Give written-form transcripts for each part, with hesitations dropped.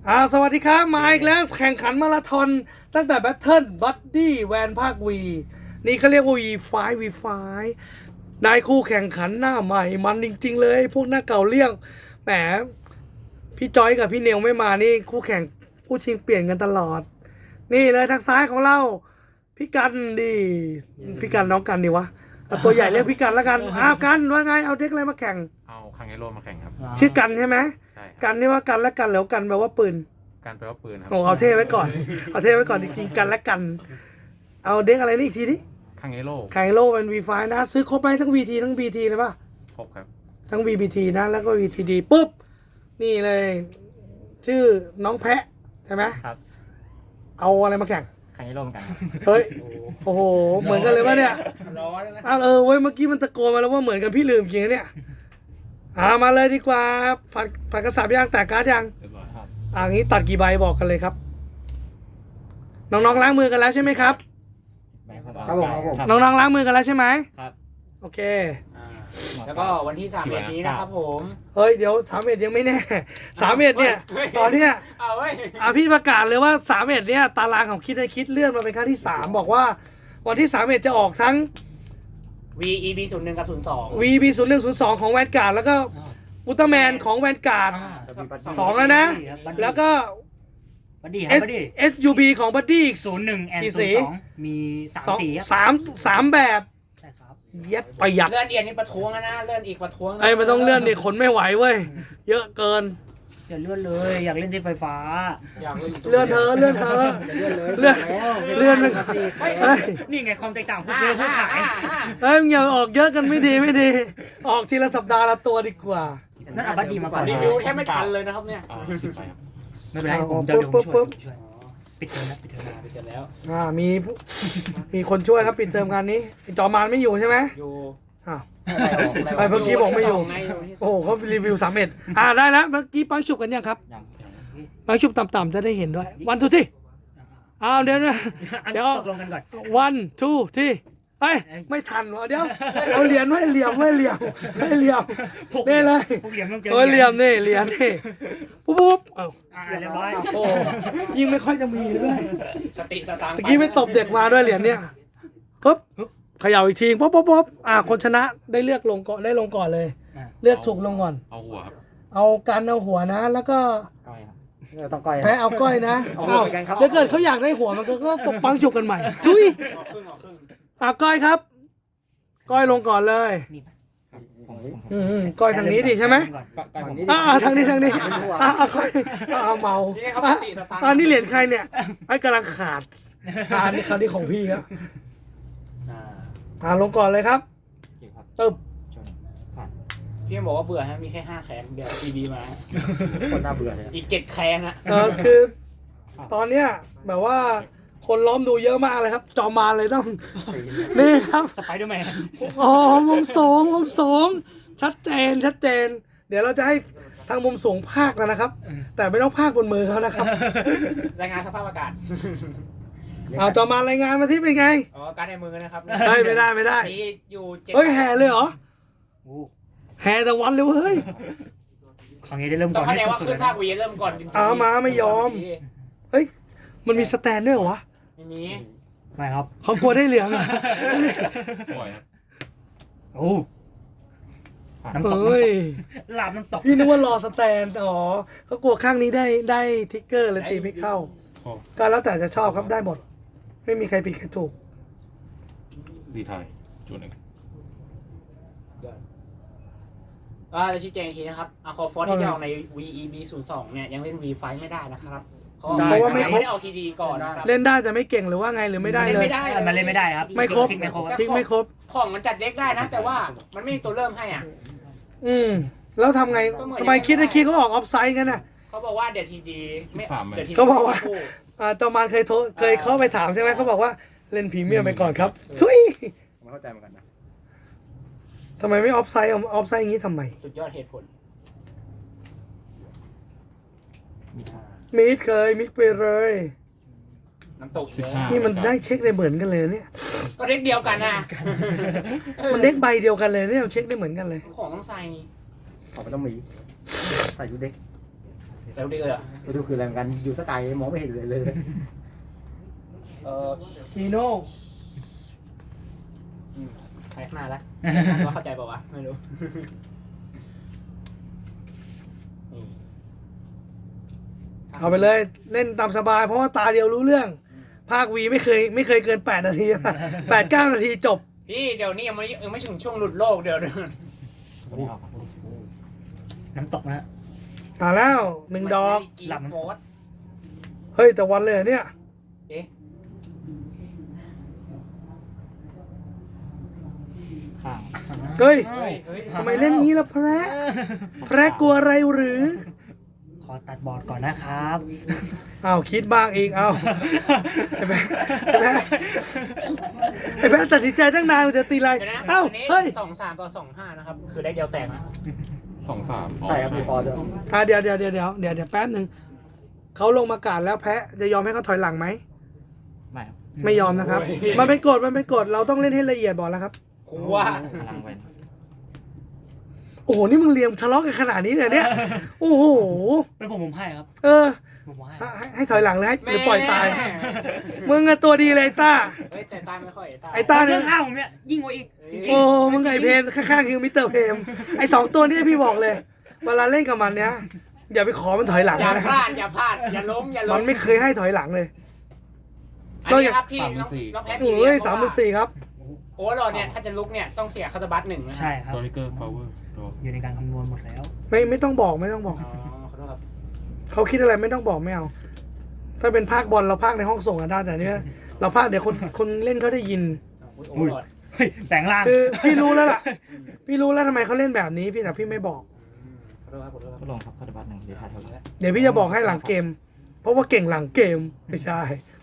สวัสดีครับมาอีกแล้วแข่งขันมาราธอนตั้งแต่แบทเทิลบัดดี้แวนภาควีนี่เขาเรียกว่า V5 ได้คู่แข่งขันหน้าใหม่มันจริงๆเลยพวกหน้าเก่าเลี่ยงแหมพี่จอยกับพี่เนวไม่มานี่คู่แข่งคู่ชิงเปลี่ยนกันตลอดนี่เลยทางซ้ายของเราพี่กันดิพี่กันน้องกันดิวะเอาตัวใหญ่เรียกพี่กันแล้วกันกันว่าไงเอาเด็กอะไรมาแข่งเอาคังเอโร่มาแข่งครับชื่อกันใช่ไหมใช่ครับกันนี่ว่ากันและกันแล้วกันแปลว่าปืนการแปลว่าปืนครับเอาเท่ไว้ก่อน เอาเท่ไว้ก่อนจริงๆกันและกัน เอาเด็กอะไรนี่อีกทีดิคังเอโร่ไคโลเป็น V5 นะ ซื้อครบไหมทั้ง VT ทั้ง BT เลยป่ะครบครับทั้ง VBT นะ แล้วก็ VTD ปุ๊บ นี่เลย ชื่อน้องแพะ ใช่ไหมครับเอาอะไรมาแข่งคังเอโร่เหมือนกันเฮ้ย โอ้โห เหมือนกันเลยป่ะเนี่ยร้อนนะอ้าวเว้ย เมื่อกี้มันตะโกนมาแล้วว่าเหมือนกันพี่ลืมจริงๆเนี่ยมาเลยดีกว่าผัดกระสับย่างแตกการ์ดยังเรียบร้อยครับงี้ตัดกี่ใบบอกกันเลยครับ น้องๆล้างมือกันแล้วใช่ไหมครับครับผมน้องๆล้างมือกันแล้วใช่ไหมครับโอเคแล้วก็วันที่31นี้นะครับผมเฮ้ยเดี๋ยว31ยังไม่แน่31เนี่ยตอนเนี้ยพี่ประกาศเลยว่า31เนี่ยตารางของคิดเลื่อนมาเป็นครั้งที่3บอกว่าวันที่31จะออกทั้ง VEB 01กับ02 VB 0102ของแวนการ์ดแล้วก็อุลตร้าแมนของแวนการ์ด2แล้วนะแล้วก็บัดดี้ครับบัดดี้ SUB ของบัดดี้อีก 01 and 02มี3สีสามแบบใช่ครับเย็ดประหยัดเลื่อนเอียนนี่ประท้วงนะเลื่อนอีกประท้วงไอ้มันต้องเลื่อนดิขนไม่ไหวเว้ยเยอะเกินอย่าเลื่อนเลยอยากเล่นที่ไฟฟ้าเลื่อนเธอเลื่อนเลื่อนนี่ไงความแตกต่างผู้ซื้อผู้ขายมึงอย่าออกเยอะกันไม่ดีออกทีละสัปดาห์ละตัวดีกว่านั่นเอาบัดดี้มาก่อนรีวิวแค่ไม่ทันเลยนะครับเนี่ยไม่เป็นไรผมจะช่วยปิดเทอมแล้วมีคนช่วยครับปิดเทอมงานนี้จอมานไม่อยู่ใช่ไหมอยู่ไปเมื่อกี้บอกไม่อยู่โอ้โหเขารีวิว31ได้แล้วเมื่อกี้ปังฉุบกันยังครับปังฉุบต่ำๆจะได้เห็นด้วยวันทูที่เดี๋ยวตกลงกันก่อนวันทูที่ไม่ทันวะเดี๋ยวเอาเหรียญไว้เหลี่ยมนี่เลยเหลี่ยมนี่เหรียญนี่ปุ๊บเรียบร้อยโอ้ยิ่งไม่ค่อยจะมีด้วยสติสตางค์เมื่อกี้ไม่ตบเด็กมาด้วยเหรียญเนี่ยปุ๊บเขย่าอีกทีปุ๊บคนชนะได้เลือกลงก่อนได้ลงก่อนเลยเลือกถูกลงก่อนเอาหัวครับเอาการเอาหัวนะแล้วก็ก้อยครับต้องก้อยแพ้เอาก้อยนะเดี๋ยวเกิดเขาอยากได้หัวมันก็ตกปังฉุกกันใหม่ทุยก้อยครับก้อยลงก่อนเลยก้อยทางนี้ดิใช่ไหมทางนี้ก้อยเมานี่เหรียญใครเนี่ยไอ้กำลังขาดนี่คราวนี้ของพี่ครับลงก่อนเลยครับตึ๊บพี่บอกว่าเบื่อฮะมีแค่5แคนเดี๋ยวทีวีมาคนน่าเบื่อเลยอีก7แคนฮะคือตอนเนี้ยแบบว่าคนล้อมดูเยอะมากเลยครับจอมาเลยต้องนี่ครับสไปเดอร์แมนมุมสูงชัดเจนเดี๋ยวเราจะให้ทางมุมสูงภาคแล้วนะครับแต่ไม่ต้องภาคบนมือเขานะครับรายงานสภาพอากาศจอมารายงานมาที่เป็นไงการในมือนะครับไม่ได้อยู่แห่เลยเหรอแห่แต่วันเลยเฮ้ยครั้งนี้ได้เริ่มก่อนต้องเข้าใจว่าขึ้นภาควีเริ่มก่อนมาไม่ยอมเฮ้ยมันมีสแตนด้วยเหรอวะไม่มีไม่ครับเขากลัวได้เหลืองอ่ะน้ำตกหลับน้ำตกพี่นึกว่ารอสแตนเขากลัวข้างนี้ได้ทิกเกอร์เลยตีไม่เข้าก็แล้วแต่จะชอบครับได้หมดไม่มีใครผิดใครถูกดีไทยจุดหนึ่งจะชี้แจงอีกทีนะครับคอฟอร์ที่จะออกใน VEB 02เนี่ยยังเล่น V5 ไม่ได้นะครับเพราะว่าไม่ได้เอา CD ก่อนเล่นได้แต่ไม่เก่งหรือว่าไงหรือไม่ได้เลยมันเล่นไม่ได้ครับไม่ครบทิ้งไม่ครบของมันจัดเด็กได้นะแต่ว่ามันไม่มีตัวเริ่มให้แล้วทำไงทำไมคิดเขาออกออฟไซด์กันน่ะเขาบอกว่าเดี๋ยวทีดีเขาบอกว่าจอมานเคยเข้าไปถามใช่ไหมเขาบอกว่าเล่นพรีเมียมไปก่อนครับทุยไม่เข้าใจเหมือนกันนะทำไมไม่ออฟไซด์อย่างนี้ทำไมสุดยอดเหตุผลมิดไปเลยน้ำตกนี่มันได้เช็คได้เหมือนกันเลยเนี่ยก็เด็กเดียวกันนะมันเด็กใบเดียวกันเลยเนี่ยเช็คได้เหมือนกันเลยของต้องใส่ไม่ต้องมีใส่ชุดเด็กเซลล์ดีเลยเหรอไปดูคืออะไรเหมือนกันอยู่สกายมองไม่เห็นเลยทีโน่ใช้นานแล้วว่าเข้าใจเปล่าวะไม่รู้นี่เอาไปเลยเล่นตามสบายเพราะว่าตาเดียวรู้เรื่อง ภาควีไม่เคยเกิน8 นาที 8-9 นาทีจบพี่เดี๋ยวนี้ยังไม่ถึงช่วงหลุดโลกเดี๋ยวน้ำตกนะมาแล้ว1 ดอกหลับโฟสเฮ้ยแต่วันเลยเหรอเนี่ยเอ๊ะข้างเฮ้ยเฮ้ยเฮ้ยทำไมเล่นงี้ล่ะแพระแพระกลัวอะไรหรือขอตัดบอร์ดก่อนนะครับอ้าวคิดบ้างอีกเอาไอ้แพะไอ้แพะตัดสินใจตั้งนานมันจะตีอะไรเดี๋ยวนะเอ้าอันนี้เฮ้ย 2-3 ต่อ 2-5 นะครับ คือได้เดียวแตกนะ 2-3 ใช่ครับมีฟอร์ด้วยเดี๋ยวแป๊บหนึ่งเขาลงมากาดแล้วแพะจะยอมให้เขาถอยหลังไหมไม่ครับไม่ยอมนะครับ มันเป็นกฎเราต้องเล่นให้ละเอียดบอกแล้วครับกูว่าพลังไปโอ้โหนี่มึงเลียมทะเลาะกันขนาดนี้เลยเนี่ยโอ้โหเป็นผมให้ครับเออผมให้ให้ถอยหลังเลยให้หรือปล่อยตายมึงอะตัวดีเลยไอ้ต้าเฮ้ยแต่ตายไม่ค่อยไอ้ต้าเรื่เนี่อย งข้าวผมเนี่ยยิ่งกว่าอีกโอ้มึงไอเพมข้างๆคือมิสเตอร์เพมไอ2 ตัวนี้พี่บอกเลยเวลาเล่นกับมันเนี้ยอย่าไปขอมันถอยหลังอย่านะพลาดอย่าล้มมัอย่าล้มนไม่เคยให้ถอยหลังเลยอันนี้ครับที่น้องแพทโอ้ย34ครับโอ้โหเนี่ยถ้าจะลุกเนี่ยต้องเสียคาตาบัต1นะใช่ครับตัวลิเกอร์พาวเวอร์อยู่ในการคำนวณหมดแล้วไม่ต้องบอกอ๋อขอโทษครับเขาคิดอะไรไม่ต้องบอกไม่เอา ถ้าเป็นภาคบอลเราภาคในห้องส่งกันได้แต่เนี่ยเราภาคเดี๋ยวคนเล่นเขาได้ยินโอ้ยเฮ้ยแปลงร่างคือพี่รู้แล้วล่ะ พี่รู้แล้วทำไมเขาเล่นแบบนี้พี่แต่พี่ไม่บอกขอโทษครับก็ลงครับพัฒบัต1เดี๋ยวทายเท่าไหร่เดี๋ยวพี่จะบอกให้หลังเกม เพราะว่าเก่งหลังเกมไม่ใช่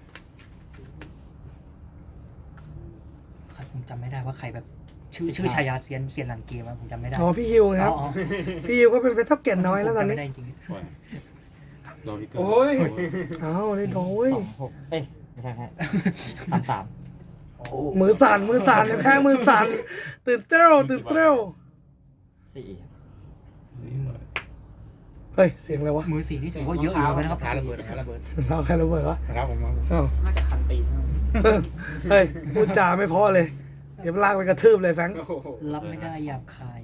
ผมจำไม่ได้ว่าใครแบบชื่อชายาเซียนหลังเกมอะผมจำไม่ได้อ๋อพี่ฮิวครับอ๋อพี่ฮิวก็เป็นเท่าเก่งน้อยแล้วตอนผมจำนี้ไม่ได้จริงปล่อยตัวลิเกอร์โอ้ยอ้าวได้โอ้ย 26เอ้ยไม่ใช่33 มือสั่นเลยแพ้มือสั่นตื่นเต้น 4 เฮ้ยเสียงอะไรวะมือสีนี่ถือว่าเยอะอยู่เหมือนกันนะครับระเบิดระเบิดเราใครระเบิดวะครับผมอ้าวน่าจะคันตีนเฮ้ยพูดจาไม่เพอเลย เดี๋ยวลากไปกระทืบเลยแฟรงค์โอ้โหรับไม่ได้หยาบคาย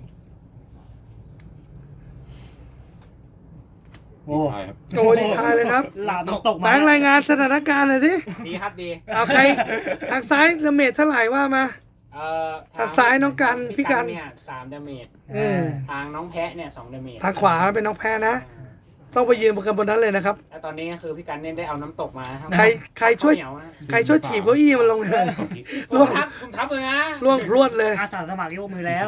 โอ้ใช่ครับโอ้ดีทายเลยครับหลาบน้ำตกแบมางค์รายงานสถานการณ์หน่อยสิดีครับดีเอาใครทางซ้ายดาเมจเท่าไหร่ว่ามา ทางซ้ายน้องกันพี่กันเนี่ย3 ดาเมจอืมทางน้องแพะเนี่ย2 ดาเมจทางขวาเป็นน้องแพ้นะ ต้องไปยืนบนกันบนนั้นเลยนะครับแล้วตอนนี้คือพี่กันเนี่ยได้เอาน้ำตกมาทั้งใครช่วยข้าเหนียวนะใครช่วยถีบเก้าอี้มันลงเลยผมทับเลยนะล่วงพรวดเลยอาสาสมัครยกมือแล้ว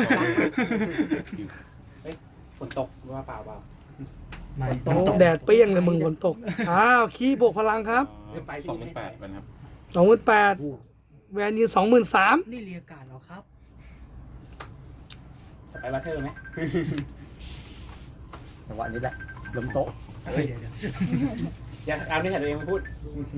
ฝนตกว่าเปล่าไม่โอ้น้ำตกแดดเปรี้ยงเลยมึงฝนตก อ้าวขี้บวกพลังครับ 28เป็นครับ 28,000แวนยืน23,000 นี่เรียกการเหรอครับสไปบัตเทอร์ไหมจังหวะนี้แหละล้มโต๊ะเฮ้ยเดี๋ยวอย่าเอาเรื่องของตัวเองมาพูด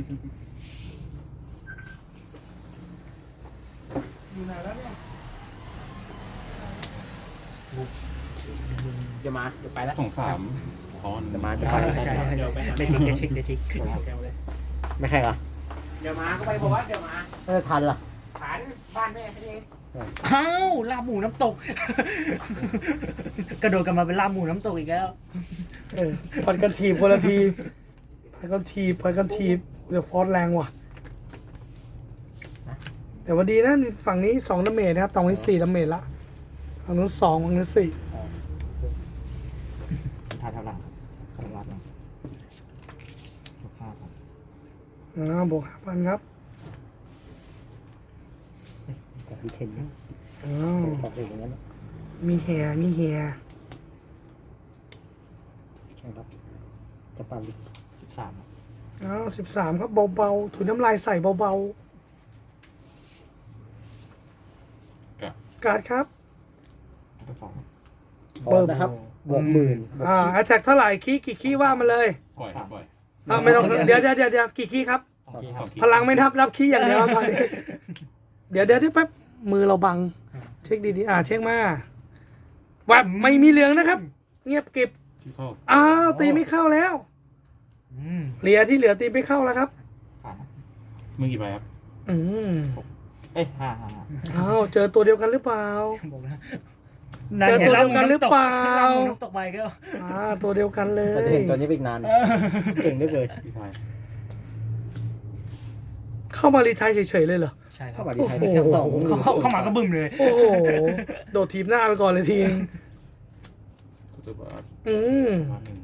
เดี๋ยวมาเดี๋ยวไปแล้ว 2-3 คอนจะมาจะใช่ไปใช่เดี๋ยวไปเดทิกไม่แข่งเหรอเดี๋ยวมาก็ไปบอกว่าเดี๋ยวมาไม่ทันล่ะฐานบ้านแม่แค่นี้อ้าวลาบหมูน้ำตก กระโดดกันมาเป็นลาบหมูน้ำตกอีกแล้วปัดกันถีบคนละทีปัดกันถีบเดี๋ยวฟอสแรงว่ะ แต่ว่าดีนะฝั่งนี้2 ดาเมจนะครับตรงนี้4 ดาเมจละฝั่งนู้น2ฝั่งนู้น4 ทายเท่าไหร่พัฒบัต1 บวก 5,000 ครับกับพี่เทนเนี่ยอ้าวบอกเองอย่างนั้นมีแฮใช่ครับจะปาลิ13 อ้าว13 ครับเบาๆถุยน้ำลายใส่เบาๆการ์ดครับตัวสองเบิ่มนะครับบวกหมื่นแอตแทกเท่าไหร่กี่ขี้ว่ามาเลยปล่อยครับปล่อยไม่ต้องเดี๋ยวกี่ขี้ครับ พลังไม่นับขี้อย่างเดียวตอนนี้ เดี๋ยวแป๊บมือเราบัง เช็คดีๆเช็คมาแวบไม่มีเหลืองนะครับ เงียบเก็บคที่เข้าอ้าวตีไม่เข้าแล้วอืมเหลียที่เหลือตีไม่เข้าแล้วครับผ่านนะมือกี่ใบครับอืมเอ้ยห้าอ้าวเจอตัวเดียวกันหรือเปล่าบอกนะเจอตัวเดียวกันหรือเปล่าน้ำตกไปก็ตัวเดียวกันเลเราจะยเห็นตัวนี้ไปอีกนาน เก่งได้เลยพี่ชายเข้ามารีไทายเฉยๆเลยเหรอใช่ครัเข้าบมาดีไทยไปแค่สองเข้ามาก็บึ้มเลยโอ้โหโดดทีมหน้าไปก่อนเลยทีนึงตัวบาสอืมมาหนึ่ง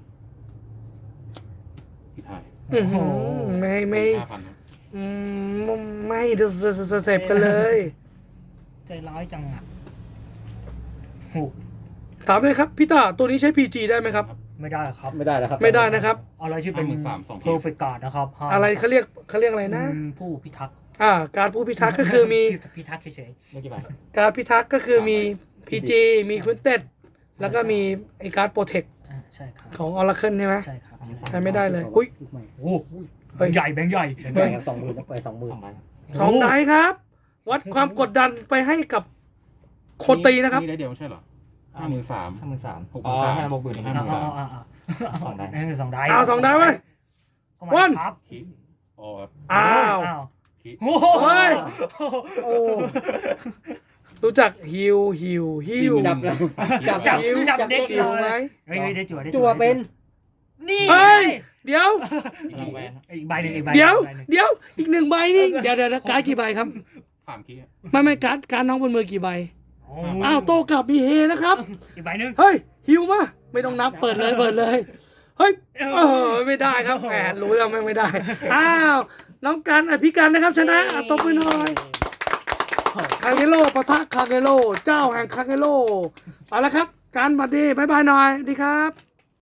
พี่ชายอื้อหือไม่ 5,000ครับอืมไม่เดือดเสพกันเลยใจร้ายจังอ่ะโหถามเลยครับพี่ตาตัวนี้ใช้ PG ได้ไหมครับไม่ได้ครับไม่ได้แล้วครับไม่ได้นะครับอะไรที่เป็น 53,200 perfect guard นะครับห้ามอะไรเขาเรียกอะไรนะผู้พิทักษ์การผู้พิทักษ์ก็คือมีพิทักษ์เฉยไม่กี่ใบการพิทักษ์ก็คือมี PG มีควินเต็ดแล้วก็มีไอการ์ดโปรเทคๆใช่ครับของออร์เคิลใช่ไหมใช่ครับใช้ไม่ได้เลยอุ้ยลูกใหม่โอ้เฮ้ยใหญ่แบงค์ใหญ่เป็นใหญ่ครับ20,000นะไป20,000 สองไดส์ครับ วัดความกดดันไปให้กับคนตีนะครับนี่ได้เดียวไม่ใช่เหรอ53,000 53,000 63,000 อ๋อ5 บวกเอาสองได้สองได้เอาสองไดส์ไว้เข้ามาวันครับคิอ๋อครับอ้าวคิโอ้โหเฮ้ย โอ้รู้จักฮิวจับแล้วจับฮิวจับเด็กฮิเลวไหมยเฮ้ยได้จั่วได้จั่วเป็นนี่เฮ้ย เดี๋ยวอีกใบหนึ่งอีกใบเดี๋ยวใบหนึ่งเดี๋ยวอีกหนึ่งใบนี่เดี๋ยวการ์ดกี่ใบครับ 3คิอะไม่การ์ดน้องบนมือกี่ใบโอ้อ้าวโตกลับมีเฮนะครับอีกใบหนึ่งเฮ้ยฮิวมาไม่ต้องนับเปิดเลยเฮ้ยไม่ได้ครับแหมรู้แล้วไม่ได้อ้าวน้องกันพี่กันนะครับชนะตบมือหน่อยคางเกโลปะทะคางเกโลเจ้าแห่งคางเกโลเอาละครับการบัดดี้บายบายหน่อยดีครับ